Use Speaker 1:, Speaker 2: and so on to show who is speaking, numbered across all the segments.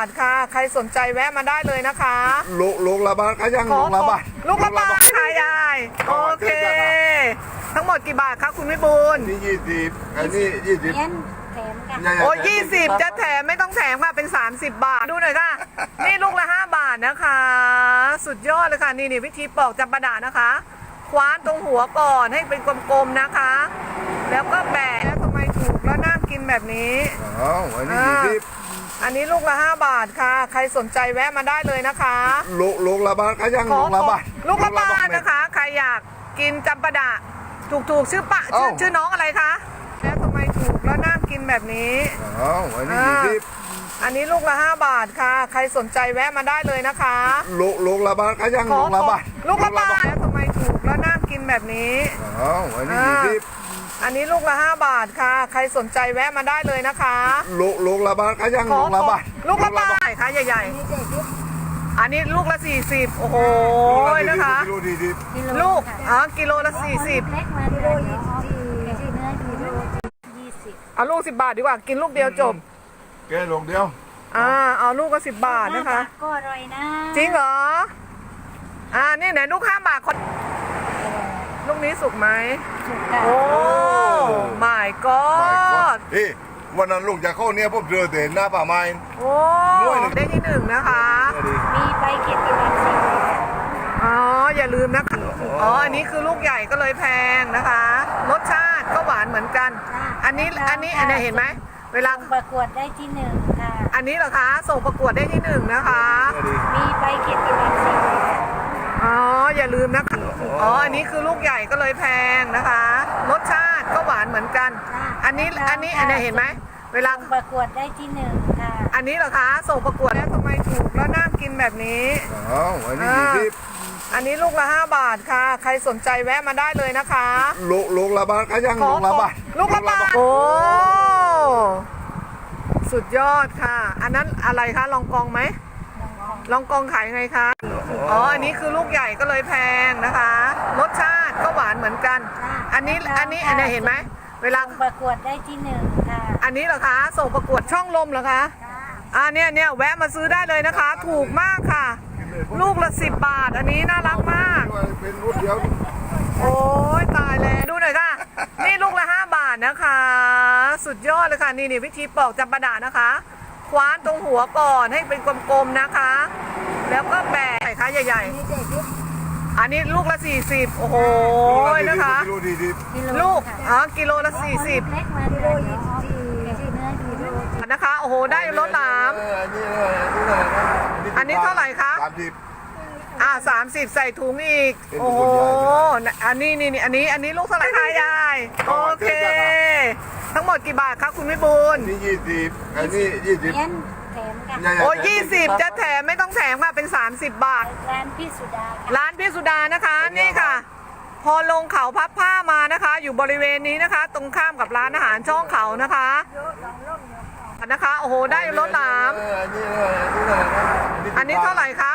Speaker 1: ทค่ะใครสนใจแวะมาได้เลยนะคะ
Speaker 2: ลูกละบาทก็ยังลูกละบาท
Speaker 1: ลูกละบาทค่ะยายโอเคทั้งหมดกี่บาทคะคุณวิบูลย์
Speaker 2: นี่20อันนี้20
Speaker 3: แถมกัน
Speaker 1: โอ้20จะแถมไม่ต้องแถมค่ะเป็น30 บาทดูหน่อยค่ะนี่ลูกละ5 บาทนะคะสุดยอดเลยค่ะนี่วิธีปอกจำปาดะนะคะคว้านตรงหัวก่อนให้เป็นกลมๆนะคะแล้วก็แบะแล้วทำไมถูกแล้วน่ากินแบบนี้
Speaker 2: อ๋ออันนี้20
Speaker 1: อันนี้ลูกละ5 บาทค่ะใครสนใจแวะมาได้เลยนะคะ
Speaker 2: ลูกละบาทก็ยังลูกละบาท
Speaker 1: ลูกละบาทนะคะใครอยากกินจำปาดะถูกชื่อชื่อน้องอะไรคะแล้วทำไมถูกแล้วน่ากินแบบนี้
Speaker 2: อ๋ออันนี้20
Speaker 1: อันนี้ลูกละ5 บาทค่ะใครสนใจแวะมาได้เลยนะคะ
Speaker 2: ลูกละบาทก็ยังลูกละบาท
Speaker 1: ลูกละบาทแล้วทำไมถูกแล้วน่ากินแบบนี้
Speaker 2: อ๋ออันนี้20
Speaker 1: อันนี้ลูกละ5 บาทค่ะใครสนใจแวะมาได้เลยนะคะ
Speaker 2: ลูกละบาทก็ยังลูกละบาท
Speaker 1: ลูกละบาทค่ะใหญ่ๆอันนี้ลูกละ40โอ้โหนะคะลูกกิโลละ40
Speaker 3: เล็กมากิโล20เนื้อกิโล20
Speaker 1: เอาลูก10 บาทดีกว่ากินลูกเดียวจบ
Speaker 2: แค่ลูกเดียว
Speaker 1: เอาลูกก็10 บาทนะคะ
Speaker 3: ก็อร่อยนะ
Speaker 1: จริงเหรอนี่ไหนลูก5 บาทคนลูกนี้สุกไหมโอ้ my god
Speaker 2: วันนั้นลูกจะเข้าเนี่ยพบเจอแต่หน้าป่าไม้
Speaker 1: โอ้ได้ที่1นะคะ
Speaker 3: มีใบเก็บเป็นสี
Speaker 1: อย่าลืมนะคะอันนี้คือลูกใหญ่ก็เลยแพงนะคะรสชาติก็หวานเหมือนกันอันนี้เห็นไหมเวลา
Speaker 3: ประกวดได้ที่1ค่ะ
Speaker 1: อันนี้เหรอคะส่งประกวดได้ที่1นะคะ
Speaker 3: มีใบเก็บเป็นสี
Speaker 1: อย่าลืมนะคะอันนี้คือลูกใหญ่ก็เลยแพงนะคะรสชาติก็หวานเหมือนกันอันนี้เห็นไหมเวลา
Speaker 3: ประกวดได้ที่1ค่ะ
Speaker 1: อันนี้เหรอคะส่งประกวดแล้วทำไมถูกแล้วน่ากินแบบนี้
Speaker 2: อันนี้
Speaker 1: อันนี้ลูกละ5 บาทค่ะใครสนใจแวะมาได้เลยนะคะ
Speaker 2: ลูกละบาทก็ยังลูกละบาท
Speaker 1: ลูกละบาทโอ้สุดยอดค่ะอันนั้นอะไรคะลองกองไหมลองกองขายไงคะอันนี้คือลูกใหญ่ก็เลยแพงนะคะรสชาติก็หวานเหมือนกันอันนี้เห็นไหมเวลา
Speaker 3: ประกวดได้ที่1ค่ะ
Speaker 1: อันนี้เหรอคะส่งประกวดช่องลมเหรอคะเนี่ยแวะมาซื้อได้เลยนะคะถูกมากค่ะลูกละ10 บาทอันนี้น่ารักมาก
Speaker 2: เป็นลูกเดียว
Speaker 1: โอ้ยตายแล้วดูหน่อยค่ะนี่ลูกละ5 บาทนะคะสุดยอดเลยค่ะนี่วิธีปอกจำปาดะนะคะคว้านตรงหัวก่อนให้เป็นกลมๆนะคะแล้วก็แบะใส่ค่ะใหญ่ๆอันนี้ลูกละ40โอ้โหนะคะลูกกิโลละ40
Speaker 3: เล็กมากิโล20เนื้อกิโล
Speaker 1: นะคะโอ้โหได้รสหลามอันนี้เท่าไหร่คะ30ใส่ถุงอีกโอ้โหอันนี้ลูกเท่าไหร่คะยายโอเคทั้งหมดกี่บาทคะคุณวิบูลย์
Speaker 2: นี่20อันนี้20
Speaker 3: แถมกัน
Speaker 1: โอ้20จะแถมไม่ต้องแถมค่ะเป็น30 บาท
Speaker 3: ร้านพี่สุดา
Speaker 1: ร้านพี่สุดานะคะนี่ค่ะพอลงเขาพับผ้ามานะคะอยู่บริเวณนี้นะคะตรงข้ามกับร้านอาหารช่องเขานะคะโอ้โหได้รสหลามอันนี้เท่าไหร่คะ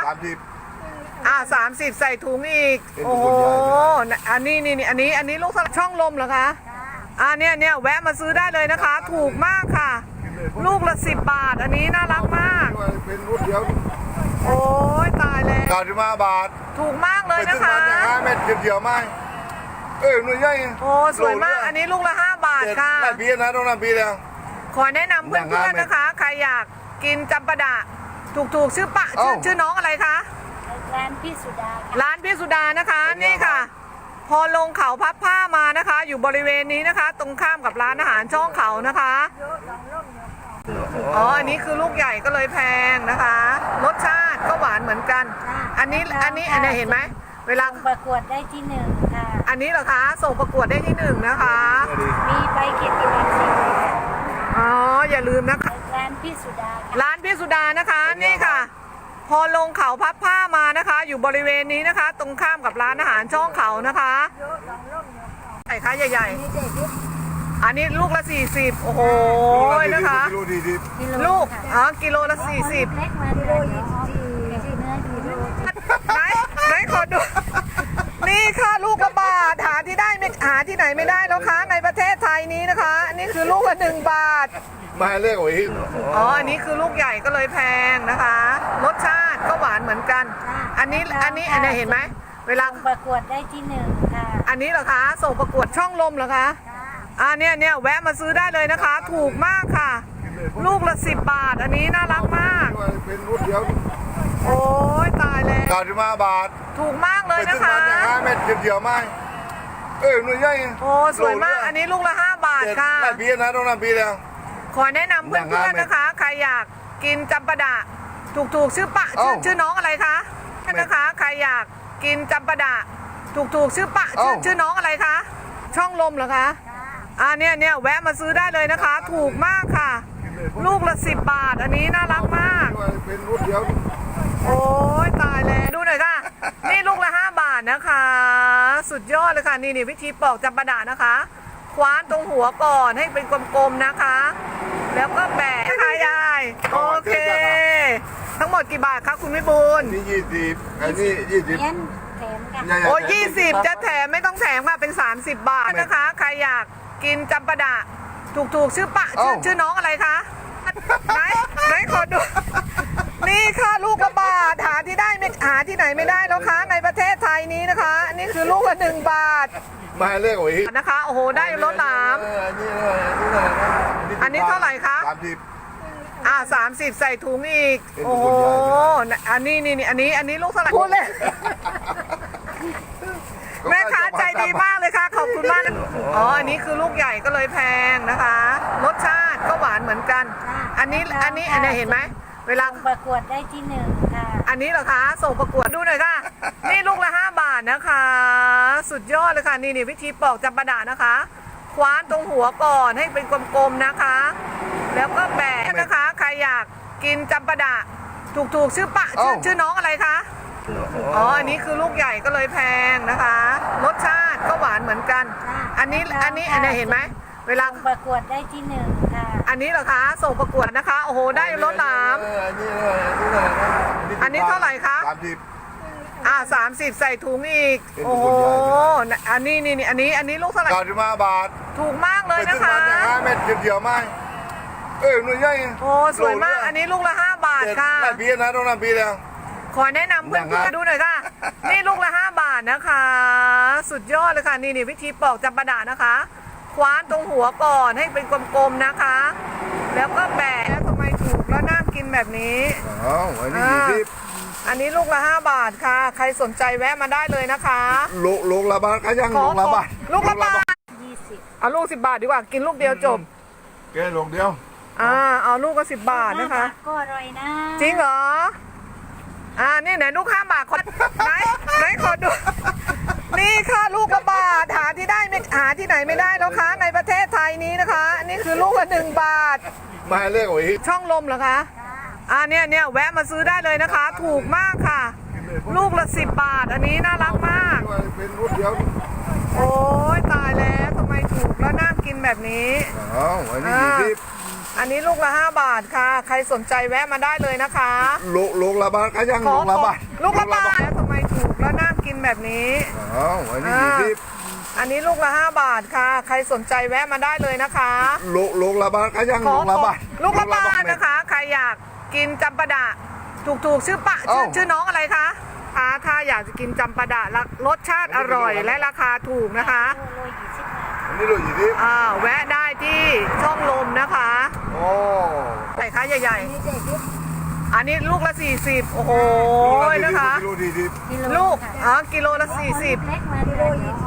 Speaker 1: 30ใส่ถุงอีกโอ้โหอันนี้ลูกช่องลมเหรอคะเนี่ยแวะมาซื้อได้เลยนะคะถูกมากค่ะลูกละ10 บาทอันนี้น่ารักมาก
Speaker 2: เป็นลูกเดียว
Speaker 1: โอ้ยตายแล้ว
Speaker 2: 95 บาท
Speaker 1: ถูกมากเลยนะคะ
Speaker 2: เม็ดเดียวไหมหน่วยใหญ่
Speaker 1: โอ้สวยมากอันนี้ลูกละ5 บาทค่ะ
Speaker 2: หลายปีนะต้องนำปีแล้ว
Speaker 1: ขอแนะนำเพื่อนๆนะคะใครอยากกินจำปาดะถูกชื่อน้องอะไรคะ
Speaker 3: ร้านพี่สุดา
Speaker 1: ร้านพี่สุดานะคะนี่ค่ะพอลงเขาพับผ้ามานะคะอยู่บริเวณนี้นะคะตรงข้ามกับร้านอาหารช่องเขานะคะอันนี้คือลูกใหญ่ก็เลยแพงนะคะรสชาติก็หวานเหมือนกันอันนี้เห็นไหมเวลา
Speaker 3: ประกวดได้ที่1ค่ะ
Speaker 1: อันนี้เหรอคะส่งประกวดได้ที่1นะคะ
Speaker 3: มีใบเก็บเป็นสี
Speaker 1: อย่าลืมนะคะ
Speaker 3: ร้านพี่สุดา
Speaker 1: ร้านพี่สุดานะคะนี่ค่ะพอลงเขาพับผ้ามานะคะอยู่บริเวณนี้นะคะตรงข้ามกับร้านอาหารช่องเขานะคะใส่ค่ะใหญ่ๆอันนี้ลูกละ40โอ้โหนะคะลูกกิโลละ40
Speaker 3: เล็กมากิโล20เนื้อกิโล
Speaker 1: ไหนขอดูนี่ค่ะลูกละบาทหาที่ได้ไม่หาที่ไหนไม่ได้แล้วคะในประเทศไทยนี้นะคะอันนี้คือลูกละ1 บาท
Speaker 2: มาเลขโอ้ย
Speaker 1: อ๋ออันนี้คือลูกใหญ่ก็เลยแพงนะคะ รสชาติก็หวานเหมือนกัน อันนี้เห็นไหมเวลา
Speaker 3: ประกวดได้ที่1ค่ะ
Speaker 1: อันนี้เหรอคะส่งประกวดช่องลมเหรอคะเนี่ยแวะมาซื้อได้เลยนะคะ ถูกมากค่ะ ลูกละ10 บาท อันนี้น่ารักมาก
Speaker 2: เป็นรุ่นเดียว
Speaker 1: โอ้ยตายแล้ว
Speaker 2: 95 บาท
Speaker 1: ถูกมากเลย
Speaker 2: ไปถึ
Speaker 1: นะ
Speaker 2: ง
Speaker 1: คะ
Speaker 2: วันอย่าง5 เม็ดเดียวไหมหน่วยใหญ่
Speaker 1: โอ้สวยมาก อันนี้ลูกละ5 บาทค่ะ
Speaker 2: หลายปีนะต้องนำปีแล้ว
Speaker 1: ขอแนะนำเพื่อนๆนะคะ ใครอยากกินจำปาดะถูกชื่อปะชื่อน้องอะไรคะนะคะ ใครอยากกินจำปาดะถูกชื่อปะชื่อน้องอะไรคะช่องลมเหรอคะเนี่ยแวะมาซื้อได้เลยนะคะ ถูกมากค่ะ ลูกละ10 บาท อันนี้น่ารักมาก
Speaker 2: เป็นรุ่นเดียว
Speaker 1: โอ้ยตายแล้วดูหน่อยค่ะ นี่ลูกละ5 บาทนะคะ สุดยอดเลยค่ะนี่วิธีปอกจำปาดะนะคะ คว้านตรงหัวก่อนให้เป็นกลมๆนะคะ แล้วก็แบะค่ะยายโอเค ทั้งหมดกี่บาทคะคุณวิบูลย์
Speaker 2: นี่20อันนี้20
Speaker 3: เย็นแถมค่ะ
Speaker 1: โอ้20จะแถมไม่ต้องแถมค่ะเป็น30 บาทนะคะ ใครอยากกินจำปาดะถูกชื่อปะชื่อน้องอะไรคะไหนขอดู นี่ค่ะลูกละบาทหาที่ไหนไม่ได้แล้วคะในประเทศไทยนี้นะคะอันนี้คือลูกละ1 บาท
Speaker 2: มาเลขโอ้ย
Speaker 1: นะคะโอ้โหได้รถหลาม อันนี้เท่าไหร่คะ 30ใส่ถุงอีก โอ้โหอันนี้ลูกเท่าไหร่พูดเลยแม่ค้าใจดีมากเลยค่ะขอบคุณมากนะอ๋ออันนี้คือลูกใหญ่ก็เลยแพงนะคะ รสชาติก็หวานเหมือนกัน อันนี้เห็นไหมเวลา
Speaker 3: ประกวดได้ที่1ค่ะ
Speaker 1: อันนี้เหรอคะส่งประกวดดูหน่อยค่ะ นี่ลูกละ5 บาทนะคะ สุดยอดเลยค่ะนี่วิธีปอกจำปาดะนะคะ คว้านตรงหัวก่อนให้เป็นกลมๆนะคะ แล้วก็แบะนะคะ ใครอยากกินจำปาดะถูกชื่อปะชื่อน้องอะไรคะอ๋ออันนี้คือลูกใหญ่ก็เลยแพงนะคะ รสชาติก็หวานเหมือนกัน อันนี้เห็นไหมเวลา
Speaker 3: ประกวดได้ที่1ค่ะ
Speaker 1: อันนี้เหรอคะส่งประกวดนะคะโอ้โหได้รถหลาม อันนี้เท่าไหร่คะ 30ใส่ถุงอีก โอ้โหอันนี้ลูกเท่าไหร่
Speaker 2: 95 บาท
Speaker 1: ถูกมากเลย
Speaker 2: ไปถึ
Speaker 1: นะ
Speaker 2: งวั
Speaker 1: คะ
Speaker 2: นอย่าง5 เม็ดเดียวไหมหน่วยใหญ่
Speaker 1: โอ้สวยมาก อันนี้ลูกละ5 บาทค่ะ
Speaker 2: หลายปีนะต้องนำปีแล้ว
Speaker 1: ขอแนะนำเพื่อนๆดูหน่อยค่ะ นี่ลูกละ5 บาทนะคะ สุดยอดเลยค่ะนี่วิธีปอกจำปาดะนะคะ คว้านตรงหัวก่อนให้เป็นกลมๆนะคะ แล้วก็แบะแล้วทำไมถูกแล้วน่ากินแบบนี้
Speaker 2: อ๋ออันนี้20
Speaker 1: อันนี้ลูกละ5 บาทค่ะ ใครสนใจแวะมาได้เลยนะคะ
Speaker 2: ลูกละบาทก็ยังลูกละบาท
Speaker 1: ลูกละบาท
Speaker 3: 20
Speaker 1: เอาลูก10 บาทดีกว่า กินลูกเดียวจบ
Speaker 2: แกลงเดียว
Speaker 1: เอาลูกก็10 บาทนะคะ
Speaker 3: ก็อร่อยนะ
Speaker 1: จริงเหรอ นี่ไหนลูก5 บาทไหนขอดู นี่ค่ะลูกละบาทหาที่ไหนไม่ได้แล้วคะในประเทศไทยนี้นะคะอันนี้คือลูกละ1 บาท
Speaker 2: มาเลขโอ้ย
Speaker 1: ช่องลมเหรอคะเนี่ยแวะมาซื้อได้เลยนะคะ ถูกมากค่ะ ลูกละ10 บาท อันนี้น่ารักมาก
Speaker 2: เป็นรุ่นเดียว
Speaker 1: โอ้ยตายแล้วทำไมถูกแล้วน่ากินแบบนี้
Speaker 2: อ๋ออันนี้20
Speaker 1: อันนี้ลูกละ5 บาทค่ะ ใครสนใจแวะมาได้เลยนะคะ
Speaker 2: ลูกละบาทก็ยังลูกละบาท
Speaker 1: ลูกละบาทแล้วทำไมถูกแล้วน่ากินแบบนี้
Speaker 2: อ๋ออันนี้20
Speaker 1: อันนี้ลูกละ5 บาทค่ะ ใครสนใจแวะมาได้เลยนะคะ
Speaker 2: ลูกละบาทก็ยังลูกละบาท
Speaker 1: ลูกละบาทนะคะ ใครอยากกินจำปาดะถูกชื่อปะชื่อน้องอะไรคะถ้าอยากจะกินจำปาดะรสชาติอร่อยและราคาถูกนะคะ
Speaker 3: โล20 บาท
Speaker 2: อันนี้ลูก20
Speaker 1: แวะได้ที่ช่องลมนะคะ
Speaker 2: โอ้
Speaker 1: ใส่คะใหญ่
Speaker 3: นี่เด็ก
Speaker 1: ๆ อันนี้ลูกละ40โอ้โหนะคะ
Speaker 2: ลูก40
Speaker 3: กิโล
Speaker 1: ลูก
Speaker 3: ค่ะ
Speaker 1: กิโลละ40
Speaker 3: เล็กมากิโล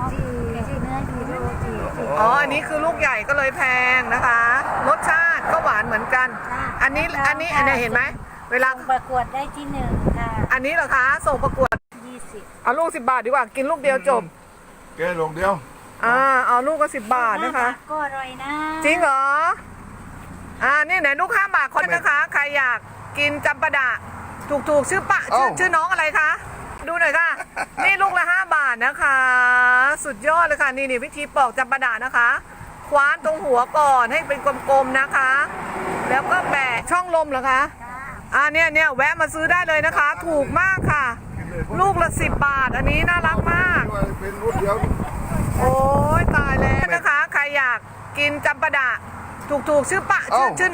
Speaker 3: 20ที่เนื้อกิโล40
Speaker 1: อันนี้คือลูกใหญ่ก็เลยแพงนะคะ รสชาติก็หวานเหมือนกัน อันนี้เห็นไหมเวลา
Speaker 3: ประกวดได้ที่1ค่ะ
Speaker 1: อันนี้เหรอคะส่งประกวด
Speaker 3: 20
Speaker 1: เอาลูก10 บาทดีกว่า กินลูกเดียวจบ
Speaker 2: แกลงเดียว
Speaker 1: เอาลูกก็10 บาทนะคะ
Speaker 3: ก็อร่อยนะ
Speaker 1: จริงเหรอ นี่ไหนลูก5 บาทคนนะคะ ใครอยากกินจำปาดะถูกชื่อปะชื่อน้องอะไรคะ ดูหน่อยค่ะ นี่ลูกละ5 บาทนะคะ สุดยอดเลยค่ะนี่วิธีปอกจำปาดะนะคะ คว้านตรงหัวก่อนให้เป็นกลมๆนะคะ แล้วก็แบะช่องลมเหรอคะเนี่ยแวะมาซื้อได้เลยนะคะ ถูกมากค่ะ ลูกละ10 บาท อันนี้น่ารักมาก
Speaker 2: เป็นรุ่นเดียว
Speaker 1: โอ้ยกินจำปาดะถูกๆชื่อปะชื่อ